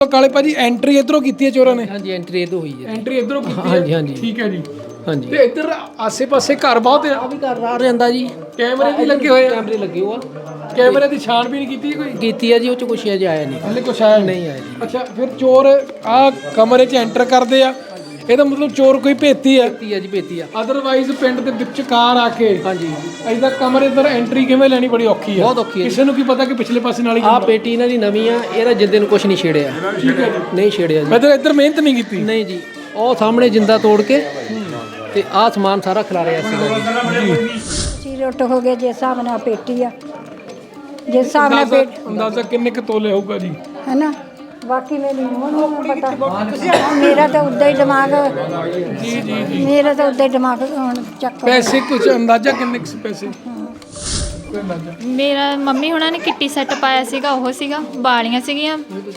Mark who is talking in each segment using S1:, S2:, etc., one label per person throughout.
S1: ਕਾਲੇ ਭਾਜੀ ਐਂਟਰੀ ਇਧਰੋਂ ਕੀਤੀ ਹੈ ਚੋਰਾਂ ਨੇ?
S2: ਹਾਂਜੀ ਐਂਟਰੀ ਇਧਰੋਂ ਹੋਈ ਹੈ।
S1: ਐਂਟਰੀ ਇਧਰੋਂ ਕੀਤੀ ਹੈ?
S2: ਹਾਂਜੀ ਹਾਂਜੀ
S1: ਠੀਕ ਹੈ ਜੀ।
S2: ਹਾਂਜੀ
S1: ਤੇ ਇੱਧਰ ਆਸੇ-ਪਾਸੇ ਘਰ ਬਹੁਤ ਆ?
S2: ਆ ਵੀ ਘਰ ਆ ਜਾਂਦਾ ਜੀ।
S1: ਕੈਮਰੇ ਵੀ ਲੱਗੇ ਹੋਏ ਆ?
S2: ਕੈਮਰੇ ਲੱਗੇ ਹੋ ਆ।
S1: ਕੈਮਰੇ ਦੀ ਛਾਣਬੀਨ ਕੀਤੀ ਕੋਈ?
S2: ਕੀਤੀ ਆ ਜੀ, ਉਹ ਚ ਕੁਛ ਅਜੇ ਆਇਆ ਨਹੀਂ।
S1: ਹਲੇ ਕੁਛ ਆਇਆ
S2: ਨਹੀਂ ਆਇਆ ਜੀ।
S1: ਅੱਛਾ, ਫਿਰ ਚੋਰ ਆ ਕਮਰੇ 'ਚ ਐਂਟਰ ਕਰਦੇ ਆ, ਇਹਦਾ ਮਤਲਬ ਚੋਰ ਕੋਈ ਭੇਤੀ ਆ?
S2: ਭੇਤੀ ਆ ਜੀ, ਭੇਤੀ ਆ।
S1: ਅਦਰਵਾਈਜ਼ ਪਿੰਡ ਦੇ ਵਿਚਕਾਰ ਆ ਕੇ
S2: ਹਾਂਜੀ
S1: ਐਦਾਂ ਕਮਰੇ ਅੰਦਰ ਐਂਟਰੀ ਕਿਵੇਂ ਲੈਣੀ ਬੜੀ ਔਖੀ ਆ।
S2: ਬਹੁਤ ਔਖੀ ਹੈ।
S1: ਕਿਸੇ ਨੂੰ ਕੀ ਪਤਾ ਕਿ ਪਿਛਲੇ ਪਾਸੇ ਨਾਲ ਹੀ
S2: ਆ ਪੇਟੀ ਇਹਨਾਂ ਦੀ ਨਵੀਂ ਆ, ਇਹਦਾ ਜਿੰਦੇ ਨੂੰ ਕੁਛ ਨਹੀਂ ਛੇੜਿਆ।
S1: ਠੀਕ ਹੈ ਜੀ।
S2: ਨਹੀਂ ਛੇੜਿਆ ਜੀ।
S1: ਮਤਲਬ ਇੱਧਰ ਮਿਹਨਤ ਨਹੀਂ ਕੀਤੀ?
S2: ਨਹੀਂ ਜੀ, ਉਹ ਸਾਹਮਣੇ ਜਿੰਦਾ ਤੋੜ ਕੇ ਤੇ ਆਹ ਸਮਾਨ ਸਾਰਾ ਖਿਲਾਰਿਆ ਸੀਗਾ ਜੀ।
S3: ਚੀਰਟ ਹੋ ਗਏ, ਜਿਸ ਹਿਸਾਬ ਨਾਲ ਪੇਟੀ ਆ, ਜਿਸ ਹਿਸਾਬ ਨਾਲ
S1: ਅੰਦਾਜ਼ਾ ਕਿੰਨੇ ਕੁ ਤੋਲੇ ਹੋਊਗਾ ਜੀ?
S3: ਹੈ ਨਾ। ਬਾਕੀ ਮੇਰੀ ਨੂੰਹ ਨੂੰ ਪਤਾ, ਮੇਰਾ ਤਾਂ ਉੱਦਾਂ ਹੀ ਦਿਮਾਗ, ਮੇਰਾ ਤਾਂ ਉੱਦਾਂ ਹੀ ਦਿਮਾਗ ਹੁਣ ਚੱਕ।
S1: ਪੈਸੇ ਕੁਝ ਅੰਦਾਜ਼ਾ ਕਿੰਨੇ ਕੁ ਪੈਸੇ? ਕੋਈ ਅੰਦਾਜ਼ਾ?
S4: ਮੇਰਾ ਮੰਮੀ ਹੁਣਾਂ ਨੇ ਕਿੱਟੀ ਸੈੱਟ ਪਾਇਆ ਸੀਗਾ, ਉਹ ਸੀਗਾ ਬਾਲੀਆਂ ਸੀਗੀਆਂ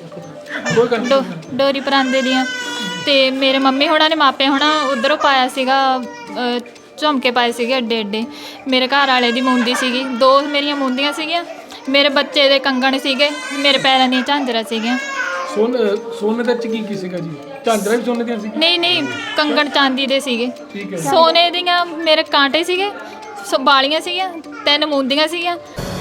S4: ਡੋਰੀ ਪਰਾਂਦੇ ਦੀਆਂ, ਤੇ ਮੇਰੇ ਮੰਮੀ ਹੁਣਾਂ ਨੇ ਮਾਪੇ ਹੁਣਾਂ ਉਧਰੋਂ ਪਾਇਆ ਸੀਗਾ ਝੁਮਕੇ ਪਾਏ ਸੀਗੇ ਅੱਡੇ ਅੱਡੇ। ਮੇਰੇ ਘਰ ਵਾਲੇ ਦੀ ਮੁੰਦੀ ਸੀਗੀ, 2 ਮੇਰੀਆਂ ਮੁੰਦੀਆਂ ਸੀਗੀਆਂ, ਮੇਰੇ ਬੱਚੇ ਦੇ ਕੰਗਣ ਸੀਗੇ, ਮੇਰੇ ਪੈਰਾਂ ਦੀਆਂ ਝਾਂਜਰਾਂ ਸੀਗੀਆਂ।
S1: ਸੋਨੇ ਦੇ ਚ ਕੀ ਸੀਗਾ ਜੀ? ਝਾਂਜਰਾਂ ਵੀ ਸੋਨੇ ਦੀਆਂ ਸੀ?
S4: ਨਹੀਂ ਕੰਗਣ ਚਾਂਦੀ ਦੇ ਸੀਗੇ।
S1: ਠੀਕ ਹੈ।
S4: ਸੋਨੇ ਦੀਆਂ ਮੇਰੇ ਕਾਂਟੇ ਸੀਗੇ, ਬਾਲੀਆਂ ਸੀਗੀਆਂ, 3 ਮੁੰਦੀਆਂ ਸੀਗੀਆਂ।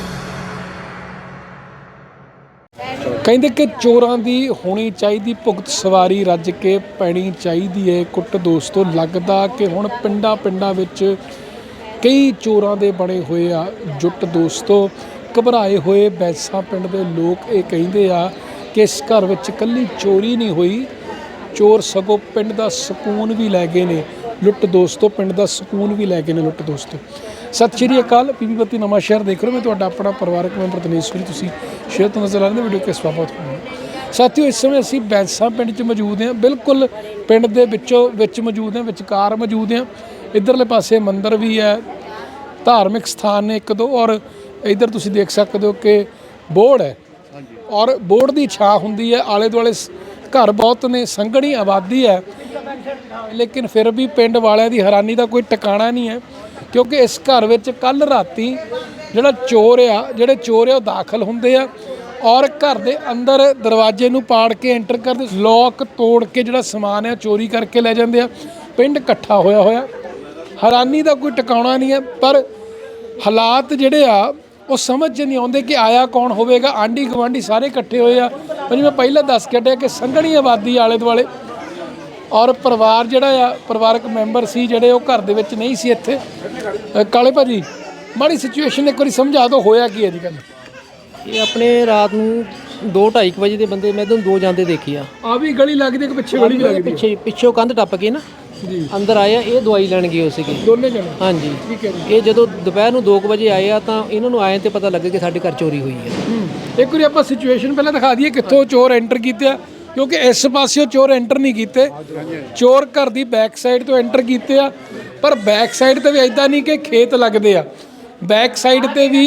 S1: ਕਹਿੰਦੇ ਕਿ ਚੋਰਾਂ ਦੀ ਹੋਣੀ ਚਾਹੀਦੀ ਭੁਗਤ ਸਵਾਰੀ, ਰੱਜ ਕੇ ਪੈਣੀ ਚਾਹੀਦੀ ਹੈ ਕੁੱਟ। ਦੋਸਤੋ, ਲੱਗਦਾ ਕਿ ਹੁਣ ਪਿੰਡਾਂ ਵਿੱਚ ਕਈ ਚੋਰਾਂ ਦੇ ਬਣੇ ਹੋਏ ਆ ਜੁੱਟ। ਦੋਸਤੋ, ਘਬਰਾਏ ਹੋਏ ਬੈਂਸਾ ਪਿੰਡ ਦੇ ਲੋਕ ਇਹ ਕਹਿੰਦੇ ਆ ਕਿ ਇਸ ਘਰ ਵਿੱਚ ਇਕੱਲੀ ਚੋਰੀ ਨਹੀਂ ਹੋਈ, ਚੋਰ ਸਗੋਂ ਪਿੰਡ ਦਾ ਸਕੂਨ ਵੀ ਲੈ ਗਏ ਨੇ ਲੁੱਟ। ਦੋਸਤੋ, ਪਿੰਡ ਦਾ ਸਕੂਨ ਵੀ ਲੈ ਗਏ ਨੇ ਲੁੱਟ। ਦੋਸਤੋ, ਸਤਿ ਸ਼੍ਰੀ ਅਕਾਲ। ਪੀਪੀ ਬੱਤੀ ਨਵਾਂ ਸ਼ਹਿਰ ਦੇਖ ਰਹੇ ਹੋ, ਮੈਂ ਤੁਹਾਡਾ ਆਪਣਾ ਪਰਿਵਾਰਕ ਮੈਂਬਰ ਦਿਨੇਸ਼ਵਰੀ। ਤੁਸੀਂ ਸ਼ੇਅਰ ਤੋਂ ਨਜ਼ਰ ਆ ਰਹੇ ਵੀਡੀਓ ਕਿਸ ਬਾਬਤ ਹੋਣੀ। ਸਾਥੀਓ, ਇਸ ਸਮੇਂ ਅਸੀਂ ਬੈਂਸਾ ਪਿੰਡ 'ਚ ਮੌਜੂਦ ਹਾਂ, ਬਿਲਕੁਲ ਪਿੰਡ ਦੇ ਵਿੱਚ ਮੌਜੂਦ ਹਾਂ, ਵਿਚਕਾਰ ਮੌਜੂਦ ਹਾਂ। ਇੱਧਰਲੇ ਪਾਸੇ ਮੰਦਿਰ ਵੀ ਹੈ, ਧਾਰਮਿਕ ਸਥਾਨ ਨੇ 1-2, ਔਰ ਇੱਧਰ ਤੁਸੀਂ ਦੇਖ ਸਕਦੇ ਹੋ ਕਿ ਬੋਰਡ ਹੈ, ਔਰ ਬੋਰਡ ਦੀ ਛਾਂ ਹੁੰਦੀ ਹੈ। ਆਲੇ ਦੁਆਲੇ ਘਰ ਬਹੁਤ ਨੇ, ਸੰਘਣੀ ਆਬਾਦੀ ਹੈ, ਲੇਕਿਨ ਫਿਰ ਵੀ ਪਿੰਡ ਵਾਲਿਆਂ ਦੀ ਹੈਰਾਨੀ ਦਾ ਕੋਈ ਟਿਕਾਣਾ ਨਹੀਂ ਹੈ, ਕਿਉਂਕਿ ਇਸ ਘਰ ਵਿੱਚ ਕੱਲ੍ਹ ਰਾਤੀ ਜਿਹੜੇ ਚੋਰ ਆ ਉਹ ਦਾਖਲ ਹੁੰਦੇ ਆ, ਔਰ ਘਰ ਦੇ ਅੰਦਰ ਦਰਵਾਜ਼ੇ ਨੂੰ ਪਾੜ ਕੇ ਐਂਟਰ ਕਰਦੇ, ਲੋਕ ਤੋੜ ਕੇ ਜਿਹੜਾ ਸਮਾਨ ਹੈ ਚੋਰੀ ਕਰਕੇ ਲੈ ਜਾਂਦੇ ਆ। ਪਿੰਡ ਇਕੱਠਾ ਹੋਇਆ। ਹੈਰਾਨੀ ਦਾ ਕੋਈ ਟਿਕਾਣਾ ਨਹੀਂ ਹੈ, ਪਰ ਹਾਲਾਤ ਜਿਹੜੇ ਆ ਉਹ ਸਮਝ 'ਚ ਨਹੀਂ ਆਉਂਦੇ ਕਿ ਆਇਆ ਕੌਣ ਹੋਵੇਗਾ। ਆਂਢੀ ਗੁਆਂਢੀ ਸਾਰੇ ਇਕੱਠੇ ਹੋਏ ਆ। ਜਿਵੇਂ ਪਹਿਲਾਂ ਦੱਸ ਕੇ ਹਟਿਆ ਕਿ ਸੰਘਣੀ ਆਬਾਦੀ ਆਲੇ ਦੁਆਲੇ, ਔਰ ਪਰਿਵਾਰ ਜਿਹੜਾ ਆ, ਪਰਿਵਾਰਕ ਮੈਂਬਰ ਸੀ ਜਿਹੜੇ, ਉਹ ਘਰ ਦੇ ਵਿੱਚ ਨਹੀਂ ਸੀ ਇੱਥੇ। ਕਾਲੇ ਭਾਜੀ, ਮਾੜੀ ਸਿਚੁਏਸ਼ਨ ਇੱਕ ਵਾਰੀ ਸਮਝਾ ਦਿਓ, ਹੋਇਆ ਕੀ ਹੈ ਜੀ ਗੱਲ?
S2: ਇਹ ਆਪਣੇ ਰਾਤ ਨੂੰ 2-2:30 ਵਜੇ ਦੇ ਬੰਦੇ ਮੈਂ ਤੁਹਾਨੂੰ 2 ਜਾਂਦੇ ਦੇਖੇ ਆ
S1: ਵੀ ਗਲੀ ਲੱਗਦੀ ਕਿ ਪਿੱਛੇ ਗਲੀ ਵੀ ਲੱਗਦੀ?
S2: ਪਿੱਛੋਂ ਕੰਧ ਟੱਪ ਕੇ ਨਾ
S1: ਜੀ ਅੰਦਰ
S2: ਅੰਦਰ ਆਏ ਆ। ਇਹ ਦਵਾਈ ਲੈਣ ਗਏ ਹੋ ਸੀਗੇ
S1: ਦੋਨੇ ਜਣੇ?
S2: ਹਾਂਜੀ।
S1: ਠੀਕ ਹੈ ਜੀ।
S2: ਇਹ ਜਦੋਂ ਦੁਪਹਿਰ ਨੂੰ 2 ਵਜੇ ਆਏ ਆ ਤਾਂ ਇਹਨਾਂ ਨੂੰ ਆਏ ਤੇ ਪਤਾ ਲੱਗਾ ਕਿ ਸਾਡੇ ਘਰ ਚੋਰੀ ਹੋਈ ਹੈ।
S1: ਇੱਕ ਵਾਰੀ ਆਪਾਂ ਸਿਚੁਏਸ਼ਨ ਪਹਿਲਾਂ ਦਿਖਾ ਦਈਏ ਕਿੱਥੋਂ ਚੋਰ ਐਂਟਰ ਕੀਤੇ ਆ, ਕਿਉਂਕਿ ਇਸ ਪਾਸਿਓਂ ਚੋਰ ਐਂਟਰ ਨਹੀਂ ਕੀਤੇ, ਚੋਰ ਘਰ ਦੀ ਬੈਕ ਸਾਈਡ ਤੋਂ ਐਂਟਰ ਕੀਤੇ ਆ। ਪਰ ਬੈਕ ਸਾਈਡ ਤੇ ਵੀ ਐਦਾਂ ਨਹੀਂ ਕਿ ਖੇਤ ਲੱਗਦੇ ਆ, ਬੈਕ ਸਾਈਡ ਤੇ ਵੀ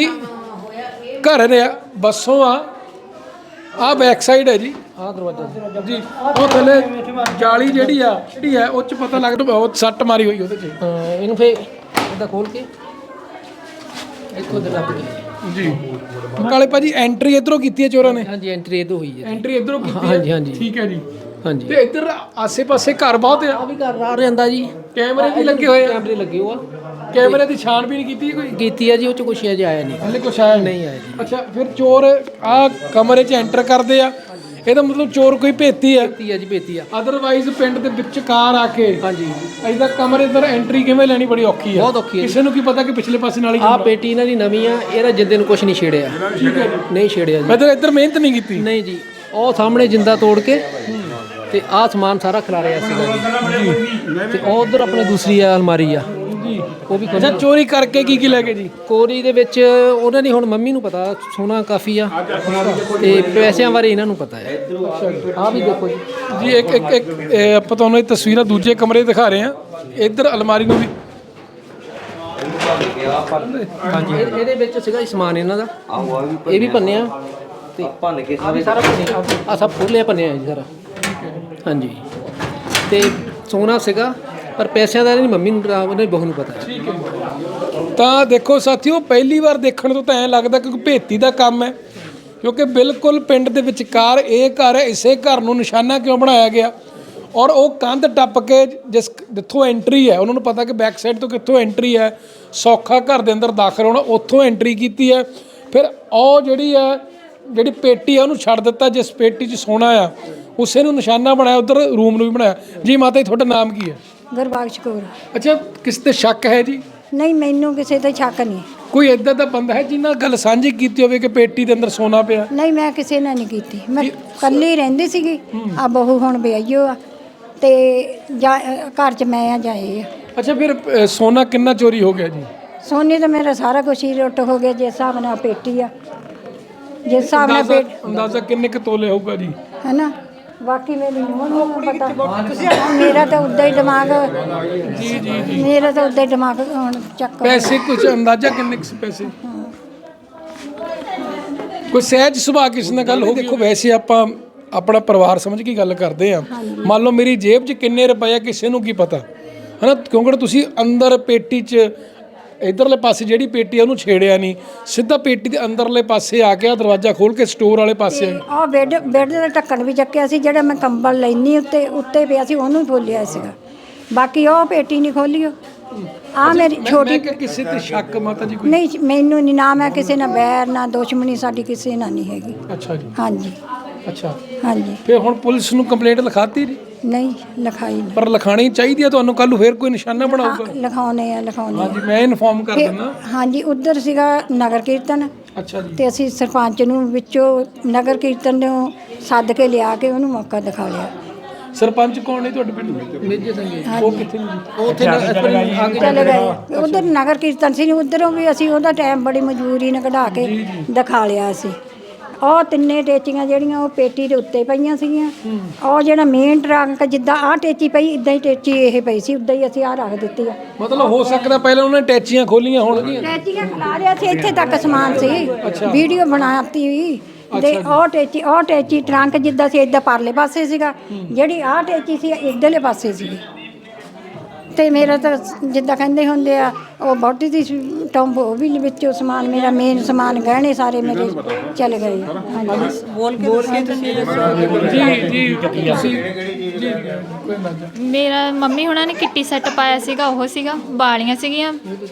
S1: ਘਰ ਨੇ, ਬੱਸੋਂ ਆ ਬੈਕ ਸਾਈਡ ਹੈ ਜੀ,
S2: ਆਹ ਦਰਵਾਜ਼ਾ
S1: ਜੀ। ਉਹ ਥੱਲੇ ਜਾਲੀ ਜਿਹੜੀ ਹੈ ਉਹ 'ਚ ਪਤਾ ਲੱਗਦਾ ਬਹੁਤ ਸੱਟ ਮਾਰੀ ਹੋਈ ਉਹਦੇ 'ਚ।
S2: ਇਹਨੂੰ ਫੇਰ ਇੱਦਾਂ ਖੋਲ ਕੇ ਇੱਥੋਂ ਦੇ ਲੱਗ ਗਏ
S1: ਜੀ। ਕਾਲੇ ਭਾਜੀ ਐਂਟਰੀ ਇਧਰੋਂ ਕੀਤੀ ਹੈ ਚੋਰਾਂ ਨੇ?
S2: ਹਾਂਜੀ ਐਂਟਰੀ ਇਧਰੋਂ ਹੋਈ ਹੈ।
S1: ਐਂਟਰੀ ਇਧਰੋਂ ਕੀਤੀ ਹੈ?
S2: ਹਾਂਜੀ ਹਾਂਜੀ
S1: ਠੀਕ ਹੈ ਜੀ।
S2: ਹਾਂਜੀ।
S1: ਤੇ ਇੱਧਰ ਆਸੇ-ਪਾਸੇ ਘਰ ਬਹੁਤ ਆ?
S2: ਆ ਵੀ ਘਰ ਆ ਜਾਂਦਾ ਜੀ।
S1: ਕੈਮਰੇ ਵੀ ਲੱਗੇ ਹੋਏ ਆ?
S2: ਕੈਮਰੇ ਲੱਗੇ ਹੋ ਆ।
S1: ਕੈਮਰੇ ਦੀ ਛਾਣਬੀਨ ਕੀਤੀ ਕੋਈ?
S2: ਕੀਤੀ ਆ ਜੀ, ਉਹ ਚ ਕੁਛ ਅਜੇ ਆਇਆ ਨਹੀਂ।
S1: ਹਲੇ ਕੁਛ ਆਇਆ
S2: ਨਹੀਂ ਆਇਆ ਜੀ।
S1: ਅੱਛਾ, ਫਿਰ ਚੋਰ ਆ ਕਮਰੇ 'ਚ ਐਂਟਰ ਕਰਦੇ ਆ, ਇਹਦਾ ਮਤਲਬ ਚੋਰ ਕੋਈ ਭੇਤੀ ਆ?
S2: ਭੇਤੀ ਆ ਜੀ, ਭੇਤੀ ਆ।
S1: ਅਦਰਵਾਈਜ਼ ਪਿੰਡ ਦੇ ਵਿਚਕਾਰ ਆ ਕੇ
S2: ਹਾਂਜੀ
S1: ਐਦਾਂ ਕਮਰੇ ਅੰਦਰ ਐਂਟਰੀ ਕਿਵੇਂ ਲੈਣੀ ਬੜੀ ਔਖੀ ਆ।
S2: ਬਹੁਤ ਔਖੀ ਹੈ।
S1: ਕਿਸੇ ਨੂੰ ਕੀ ਪਤਾ ਕਿ ਪਿਛਲੇ ਪਾਸੇ ਨਾਲ ਹੀ
S2: ਆ ਪੇਟੀ ਇਹਨਾਂ ਦੀ ਨਵੀਂ ਆ, ਇਹਦਾ ਜਿੰਦੇ ਨੂੰ ਕੁਛ ਨਹੀਂ ਛੇੜਿਆ।
S1: ਠੀਕ ਹੈ ਜੀ।
S2: ਨਹੀਂ ਛੇੜਿਆ ਜੀ।
S1: ਮਤਲਬ ਇੱਧਰ ਮਿਹਨਤ ਨਹੀਂ ਕੀਤੀ?
S2: ਨਹੀਂ ਜੀ, ਉਹ ਸਾਹਮਣੇ ਜਿੰਦਾ ਤੋੜ ਕੇ ਤੇ ਆਹ ਸਮਾਨ ਸਾਰਾ ਖਿਲਾਰਿਆ ਸੀਗਾ ਜੀ। ਤੇ ਉਹ ਉਧਰ ਆਪਣੇ ਦੂਸਰੀ ਅਲਮਾਰੀ ਆ
S1: ਜੀ,
S2: ਉਹ ਵੀ
S1: ਅੱਛਾ। ਚੋਰੀ ਕਰਕੇ ਕੀ ਲੈ ਗਏ ਜੀ?
S2: ਕੋਰੀ ਦੇ ਵਿੱਚ ਉਹਨਾਂ ਦੀ, ਹੁਣ ਮੰਮੀ ਨੂੰ ਪਤਾ, ਸੋਨਾ ਕਾਫੀ ਆ ਤੇ ਪੈਸਿਆਂ ਬਾਰੇ ਇਹਨਾਂ ਨੂੰ ਪਤਾ ਹੈ। ਆ ਵੀ ਦੇਖੋ ਜੀ।
S1: ਜੀ ਇੱਕ ਆਪਾਂ ਤੁਹਾਨੂੰ ਇਹ ਤਸਵੀਰਾਂ ਦੂਜੇ ਕਮਰੇ ਦਿਖਾ ਰਹੇ ਹਾਂ। ਇੱਧਰ ਅਲਮਾਰੀ ਨੂੰ ਵੀ
S2: ਹਾਂਜੀ, ਇਹਦੇ ਵਿੱਚ ਸੀਗਾ ਜੀ ਸਮਾਨ ਇਹਨਾਂ ਦਾ, ਇਹ ਵੀ ਭੰਨਿਆ ਤੇ ਭੰਨ ਕੇ ਸਾਰਾ ਭੰਨਿਆ, ਆ ਸਭ ਖੋਲਿਆ ਭੰਨਿਆ ਜੀ ਸਾਰਾ। ਹਾਂਜੀ, ਤੇ ਸੋਨਾ ਸੀਗਾ, ਪਰ ਪੈਸਿਆਂ ਦਾ ਨਹੀਂ ਮੰਮੀ ਨੂੰ, ਉਹਨੇ ਬਹੂ ਨੂੰ ਪਤਾ ਹੈ।
S1: ਠੀਕ ਹੈ। ਤਾਂ ਦੇਖੋ ਸਾਥੀਓ, ਪਹਿਲੀ ਵਾਰ ਦੇਖਣ ਤੋਂ ਤਾਂ ਐਂ ਲੱਗਦਾ ਕਿ ਭੇਤੀ ਦਾ ਕੰਮ ਹੈ, ਕਿਉਂਕਿ ਬਿਲਕੁਲ ਪਿੰਡ ਦੇ ਵਿਚਕਾਰ ਇਹ ਘਰ ਹੈ। ਇਸੇ ਘਰ ਨੂੰ ਨਿਸ਼ਾਨਾ ਕਿਉਂ ਬਣਾਇਆ ਗਿਆ? ਔਰ ਉਹ ਕੰਧ ਟੱਪ ਕੇ ਜਿੱਥੋਂ ਐਂਟਰੀ ਹੈ, ਉਹਨਾਂ ਨੂੰ ਪਤਾ ਕਿ ਬੈਕ ਸਾਈਡ ਤੋਂ ਕਿੱਥੋਂ ਐਂਟਰੀ ਹੈ, ਸੌਖਾ ਘਰ ਦੇ ਅੰਦਰ ਦਾਖਲ ਹੋਣਾ, ਉੱਥੋਂ ਐਂਟਰੀ ਕੀਤੀ ਹੈ। ਫਿਰ ਉਹ ਜਿਹੜੀ ਪੇਟੀ ਆ ਉਹਨੂੰ ਛੱਡ ਦਿੱਤਾ, ਜਿਸ ਪੇਟੀ 'ਚ ਸੋਨਾ ਆ ਉਸੇ ਨੂੰ ਨਿਸ਼ਾਨਾ ਬਣਾਇਆ, ਉੱਧਰ ਰੂਮ ਨੂੰ ਵੀ ਬਣਾਇਆ। ਜੀ ਮਾਤਾ ਜੀ, ਤੁਹਾਡਾ ਨਾਮ ਕੀ ਹੈ?
S3: ਗੁਰਬਖਸ਼ ਕੌਰ।
S1: ਅੱਛਾ, ਕਿਸ ਤੇ ਸ਼ੱਕ ਹੈ ਜੀ?
S3: ਨਹੀਂ, ਮੈਨੂੰ ਕਿਸੇ ਤੇ ਸ਼ੱਕ ਨਹੀਂ।
S1: ਕੋਈ ਇੱਦਾਂ ਦਾ ਬੰਦਾ ਹੈ ਜਿਹਨਾਂ ਗੱਲ ਸਾਂਝੀ ਕੀਤੀ ਹੋਵੇ ਕਿ ਪੇਟੀ ਦੇ ਅੰਦਰ ਸੋਨਾ ਪਿਆ?
S3: ਨਹੀਂ, ਮੈਂ ਕਿਸੇ ਨਾਲ ਨਹੀਂ ਕੀਤੀ। ਮੈਂ ਇਕੱਲੀ ਰਹਿੰਦੀ ਸੀਗੀ। ਆ ਬਹੂ ਹੁਣ ਵਿਆਹੀਓ ਆ ਤੇ ਘਰ 'ਚ ਮੈਂ ਆ ਜਾਏ ਆ।
S1: ਅੱਛਾ, ਫਿਰ ਸੋਨਾ ਕਿੰਨਾ ਚੋਰੀ ਹੋ ਗਿਆ ਜੀ?
S3: ਸੋਨੇ ਤਾਂ ਮੇਰਾ ਸਾਰਾ ਕੁਛ ਹੀ ਲੁੱਟ ਹੋ ਗਿਆ। ਜਿਸ ਹਿਸਾਬ ਨਾਲ ਪੇਟੀ ਆ, ਜਿਸ ਹਿਸਾਬ ਨਾਲ
S1: ਅੰਦਾਜ਼ਾ ਕਿੰਨੇ ਕੁ ਤੋਲੇ ਹੋਊਗਾ ਜੀ?
S3: ਹੈ ਨਾ। ਬਾਕੀ ਮੇਰੀ ਨੂੰਹ ਨੂੰ ਪਤਾ। ਮੇਰਾ ਤਾਂ ਉੱਦਾਂ ਹੀ ਦਿਮਾਗ ਮੇਰਾ ਤਾਂ ਉੱਦਾਂ ਹੀ ਦਿਮਾਗ ਹੁਣ ਚੱਕ।
S1: ਪੈਸੇ ਕੁਝ ਅੰਦਾਜ਼ਾ ਕਿੰਨੇ ਕੁ ਪੈਸੇ? ਕੋਈ ਸਹਿਜ ਸੁਭਾਅ ਕਿਸੇ ਨਾਲ ਗੱਲ ਹੋ ਗਈ? ਦੇਖੋ, ਵੈਸੇ ਆਪਾਂ ਆਪਣਾ ਪਰਿਵਾਰ ਸਮਝ ਕੇ ਗੱਲ ਕਰਦੇ ਆ। ਮੰਨ ਲਓ ਮੇਰੀ ਜੇਬ 'ਚ ਕਿੰਨੇ ਰੁਪਏ ਆ, ਕਿਸੇ ਨੂੰ ਕੀ ਪਤਾ, ਹੈ ਨਾ? ਕਿਉਂਕਿ ਤੁਸੀਂ ਅੰਦਰ ਪੇਟੀ 'ਚ ਇਧਰਲੇ ਪਾਸੇ ਜਿਹੜੀ ਪੇਟੀ ਆ ਉਹਨੂੰ ਛੇੜਿਆ ਨਹੀਂ, ਸਿੱਧਾ ਪੇਟੀ ਦੇ ਅੰਦਰਲੇ ਪਾਸੇ ਆ ਕੇ ਦਰਵਾਜ਼ਾ ਖੋਲ ਕੇ ਸਟੋਰ ਵਾਲੇ ਪਾਸੇ
S3: ਆ। ਬੈੱਡ ਦਾ ਢੱਕਣ ਵੀ ਚੱਕਿਆ ਸੀ, ਜਿਹੜਾ ਮੈਂ ਕੰਬਲ ਲੈਣੀ ਉੱਤੇ ਪਿਆ ਸੀ ਉਹਨੂੰ ਹੀ ਖੋਲਿਆ ਸੀਗਾ। ਬਾਕੀ ਉਹ ਪੇਟੀ ਨਹੀਂ ਖੋਲੀ। ਆ ਮੇਰੀ ਛੋਟੀ।
S1: ਕਿਸੇ ਤੇ ਸ਼ੱਕ ਮਾਤਾ ਜੀ ਕੋਈ?
S3: ਨਹੀਂ, ਮੈਨੂੰ ਨਹੀਂ। ਨਾ ਮੈਂ ਕਿਸੇ ਨਾਲ ਬੈਰ ਨਾ ਦੁਸ਼ਮਣੀ ਸਾਡੀ ਕਿਸੇ ਨਾਲ ਨਹੀਂ ਹੈਗੀ।
S1: ਅੱਛਾ ਜੀ।
S3: ਹਾਂਜੀ।
S1: ਅੱਛਾ,
S3: ਹਾਂਜੀ।
S1: ਫਿਰ ਹੁਣ ਪੁਲਿਸ ਨੂੰ ਕੰਪਲੇਂਟ ਲਿਖਾਤੀ ਜੀ?
S3: ਨਹੀਂ ਲਿਖਾਈ ਨਹੀਂ।
S1: ਪਰ ਲਿਖਾਣੀ ਚਾਹੀਦੀ ਹੈ ਤੁਹਾਨੂੰ, ਕੱਲ ਨੂੰ ਫਿਰ ਕੋਈ ਨਿਸ਼ਾਨਾ ਬਣਾਊਗਾ।
S3: ਲਿਖਾਉਣੇ ਆ।
S1: ਹਾਂਜੀ, ਮੈਂ ਇਨਫੋਰਮ ਕਰ ਦਿੰਦਾ।
S3: ਹਾਂਜੀ, ਉੱਧਰ ਸੀਗਾ ਨਗਰ ਕੀਰਤਨ।
S1: ਅੱਛਾ ਜੀ।
S3: ਤੇ ਅਸੀਂ ਸਰਪੰਚ ਨੂੰ ਵਿੱਚੋਂ ਨਗਰ ਕੀਰਤਨ ਨੂੰ ਸੱਦ ਕੇ ਲਿਆ ਕੇ ਉਹਨੂੰ ਮੌਕਾ ਦਿਖਾ ਲਿਆ।
S1: ਸਰਪੰਚ ਕੌਣ ਨੇ ਤੁਹਾਡੇ ਪਿੰਡ ਦੇ? ਮੇਜਰ ਸਿੰਘ। ਉਹ ਕਿੱਥੇ ਨੇ ਜੀ?
S2: ਉਹ ਉੱਥੇ
S3: ਚਲੇ ਗਏ। ਉਧਰ ਨਗਰ ਕੀਰਤਨ ਸੀ, ਉਧਰੋਂ ਵੀ ਅਸੀਂ ਉਹਦਾ ਟਾਈਮ ਬੜੀ ਮਜਬੂਰੀ ਨਾਲ ਕਢਾ ਕੇ ਦਿਖਾ ਲਿਆ ਸੀ। ਉਹ ਤਿੰਨੇ ਟੇਚੀਆਂ ਜਿਹੜੀਆਂ ਉਹ ਪੇਟੀ ਦੇ ਉੱਤੇ ਪਈਆਂ ਸੀਗੀਆਂ। ਉਹ ਜਿਹੜਾ ਮੇਨ ਟਰੰਕ ਜਿੱਦਾਂ ਆਹ ਟੇਚੀ ਪਈ, ਇਦਾਂ ਹੀ ਟੇਚੀ ਇਹ ਪਈ ਸੀ, ਉਦਾਂ ਹੀ ਅਸੀਂ ਆਹ ਰੱਖ ਦਿੱਤੀ ਆ।
S1: ਮਤਲਬ ਹੋ ਸਕਦਾ ਪਹਿਲਾਂ ਉਹਨਾਂ ਨੇ ਟੈਚੀਆਂ ਖੋਲੀਆਂ ਹੋਣਗੀਆਂ।
S3: ਟੇਚੀਆਂ ਖਿਲਾ ਰਿਆ ਸੀ, ਇੱਥੇ ਤੱਕ ਸਮਾਨ ਸੀ। ਵੀਡੀਓ ਬਣਾਤੀ ਵੀ ਤੇ ਉਹ ਟੇਚੀ ਟਰੰਕ ਜਿੱਦਾਂ ਸੀ ਇਦਾਂ ਪਰਲੇ ਪਾਸੇ ਸੀਗਾ, ਜਿਹੜੀ ਆਹ ਟੇਚੀ ਸੀ ਇੱਧਰਲੇ ਪਾਸੇ ਸੀਗੀ। ਤੇ ਮੇਰਾ ਤਾਂ ਜਿੱਦਾਂ ਕਹਿੰਦੇ ਹੁੰਦੇ ਆ ਉਹ ਬੋਡੀ ਦੀ ਟੰਬ, ਉਹ ਵੀ ਵਿੱਚੋਂ ਸਮਾਨ ਮੇਰਾ ਮੇਨ ਸਮਾਨ ਗਹਿਣੇ ਸਾਰੇ ਮੇਰੇ ਚਲੇ ਗਏ। ਹਾਂਜੀ,
S2: ਬੋਲ ਕੇ ਤੁਸੀਂ
S1: ਜੀ ਤੁਸੀਂ ਜੀ
S4: ਮੇਰਾ ਮੰਮੀ ਹੁਣਾਂ ਨੇ ਕਿੱਟੀ ਸੈੱਟ ਪਾਇਆ ਸੀਗਾ, ਉਹ ਸੀਗਾ ਬਾਲੀਆਂ ਸੀਗੀਆਂ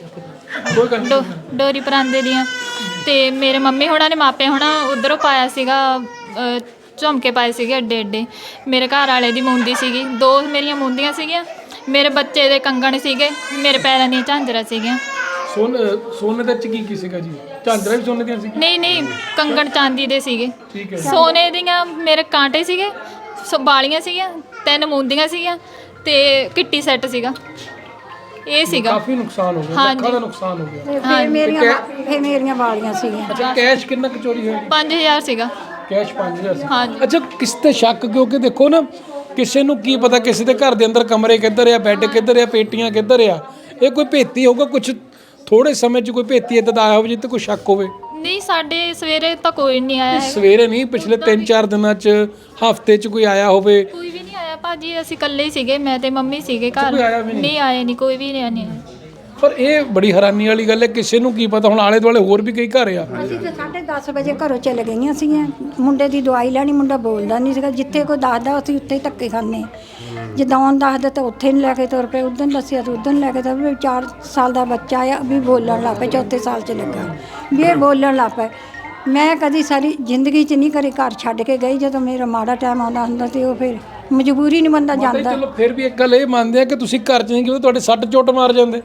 S4: ਡੋਰੀ ਪਰਾਂਦੇ ਦੀਆਂ। ਤੇ ਮੇਰੇ ਮੰਮੀ ਹੁਣਾਂ ਨੇ ਮਾਪੇ ਹੁਣਾਂ ਉੱਧਰੋਂ ਪਾਇਆ ਸੀਗਾ ਝੁਮਕੇ ਪਾਏ ਸੀਗੇ ਐਡੇ ਐਡੇ। ਮੇਰੇ ਘਰ ਵਾਲੇ ਦੀ ਮੁੰਦੀ ਸੀਗੀ, 2 ਮੇਰੀਆਂ ਮੁੰਦੀਆਂ ਸੀਗੀਆਂ, ਮੇਰੇ ਬੱਚੇ ਦੇ ਕੰਗਣ ਸੀਗੇ, ਮੇਰੇ ਪੈਰਾਂ ਦੀਆਂ ਝਾਂਜਰਾਂ ਸੀਗੀਆਂ।
S1: ਸੋਨੇ ਦੇ ਚ ਕੀ ਸੀਗਾ ਜੀ? ਝਾਂਜਰਾਂ ਵੀ ਸੋਨੇ ਦੀਆਂ ਸੀ?
S4: ਨਹੀਂ, ਕੰਗਣ ਚਾਂਦੀ ਦੇ ਸੀਗੇ।
S1: ਠੀਕ ਹੈ।
S4: ਸੋਨੇ ਦੀਆਂ ਮੇਰੇ ਕਾਂਟੇ ਸੀਗੇ, ਬਾਲੀਆਂ ਸੀਗੀਆਂ, 3 ਮੁੰਦੀਆਂ ਸੀਗੀਆਂ ਤੇ ਕਿੱਟੀ ਸੈੱਟ ਸੀਗਾ। ਇਹ ਸੀਗਾ।
S1: ਕਾਫੀ ਨੁਕਸਾਨ ਹੋ ਗਿਆ, ਲੱਖਾਂ ਦਾ ਨੁਕਸਾਨ ਹੋ ਗਿਆ।
S3: ਫਿਰ ਮੇਰੀਆਂ ਵਾਲੀਆਂ ਸੀਗੀਆਂ।
S1: ਅੱਛਾ, ਕੈਸ਼ ਕਿੰਨਾ ਕੁ ਚੋਰੀ ਹੋਇਆ?
S4: 5000 ਸੀਗਾ।
S1: ਕੈਸ਼ 5000 ਸੀ?
S4: ਹਾਂਜੀ।
S1: ਅੱਛਾ, ਕਿਸ ਤੇ ਸ਼ੱਕ? ਕਿਉਂਕਿ ਦੇਖੋ ਨਾ, ਕਿਸੇ ਨੂੰ ਕੀ ਪਤਾ ਕਿਸੇ ਦੇ ਘਰ ਦੇ ਅੰਦਰ ਕਮਰੇ ਕਿੱਧਰ ਆ, ਬੈੱਡ ਕਿੱਧਰ ਆ, ਪੇਟੀਆਂ ਕਿੱਧਰ ਆ। ਇਹ ਕੋਈ ਭੇਤੀ ਹੋਊਗਾ, ਕੁਝ ਥੋੜੇ ਸਮੇਂ 'ਚ ਕੋਈ ਭੇਤੀ ਇੱਦਾਂ ਦਾ ਆਇਆ ਹੋਵੇ ਜਿੱਤੇ ਕੋਈ ਸ਼ੱਕ ਹੋਵੇ।
S4: ਨਹੀਂ, ਸਾਡੇ ਸਵੇਰੇ ਤਾਂ ਕੋਈ ਨਹੀਂ ਆਇਆ ਹੈ।
S1: ਸਵੇਰੇ ਨਹੀਂ, ਪਿਛਲੇ 3-4 ਦਿਨਾਂ 'ਚ, ਹਫ਼ਤੇ 'ਚ ਕੋਈ ਆਇਆ ਹੋਵੇ?
S4: ਕੋਈ ਵੀ ਨਹੀਂ ਆਇਆ ਭਾਜੀ, ਅਸੀਂ ਇਕੱਲੇ ਹੀ ਸੀਗੇ, ਮੈਂ ਤੇ ਮੰਮੀ ਸੀਗੇ ਘਰ।
S1: ਕੋਈ ਆਇਆ ਵੀ
S4: ਨਹੀਂ ਆਏ ਨਹੀਂ, ਕੋਈ ਵੀ ਨਹੀਂ ਆਇਆ।
S1: ਪਰ ਇਹ ਬੜੀ ਹੈਰਾਨੀ ਵਾਲੀ ਗੱਲ ਹੈ, ਕਿਸੇ ਨੂੰ ਕੀ ਪਤਾ। ਹੁਣ ਆਲੇ ਦੁਆਲੇ ਹੋਰ ਵੀ ਕਈ ਘਰ ਆ।
S3: ਅਸੀਂ ਤਾਂ 10:30 ਵਜੇ ਘਰੋਂ ਚਲੇ ਗਈਆਂ ਸੀਗੀਆਂ। ਮੁੰਡੇ ਦੀ ਦਵਾਈ ਲੈਣੀ, ਮੁੰਡਾ ਬੋਲਦਾ ਨਹੀਂ ਸੀਗਾ। ਜਿੱਥੇ ਕੋਈ ਦੱਸਦਾ ਅਸੀਂ ਉੱਥੇ ਹੀ ਧੱਕੇ ਖਾਂਦੇ। ਜਿੱਦਾਂ ਉਹਨ ਦੱਸਦਾ ਤਾਂ ਉੱਥੇ ਨਹੀਂ ਲੈ ਕੇ ਤੁਰ ਪਏ, ਉਦੋਂ ਦੱਸਿਆ ਤਾਂ ਉਦੋਂ ਲੈ ਕੇ ਤੁਰ ਪਏ। 4 ਸਾਲ ਦਾ ਬੱਚਾ ਆ ਵੀ ਬੋਲਣ ਲੱਗ ਪਿਆ, 4ਥੇ ਸਾਲ 'ਚ ਲੱਗਾ ਵੀ ਇਹ ਬੋਲਣ ਲੱਗ ਪਿਆ। ਮੈਂ ਕਦੀ ਸਾਰੀ ਜ਼ਿੰਦਗੀ 'ਚ ਨਹੀਂ ਕਦੇ ਘਰ ਛੱਡ ਕੇ ਗਈ। ਜਦੋਂ ਮੇਰਾ ਮਾੜਾ ਟਾਈਮ ਆਉਂਦਾ ਹੁੰਦਾ ਤੇ ਉਹ ਫਿਰ ਮਜਬੂਰੀ ਨਹੀਂ ਬੰਦਾ ਜਾਂਦਾ।
S1: ਚਲੋ ਫਿਰ ਵੀ ਇੱਕ ਗੱਲ ਇਹ ਮੰਨਦੇ ਆ ਕਿ ਤੁਸੀਂ ਘਰ 'ਚ ਨਹੀਂ ਗਏ, ਤੁਹਾਡੇ ਸੱਟ ਚੋਟ ਮਾਰ ਜਾਂਦੇ।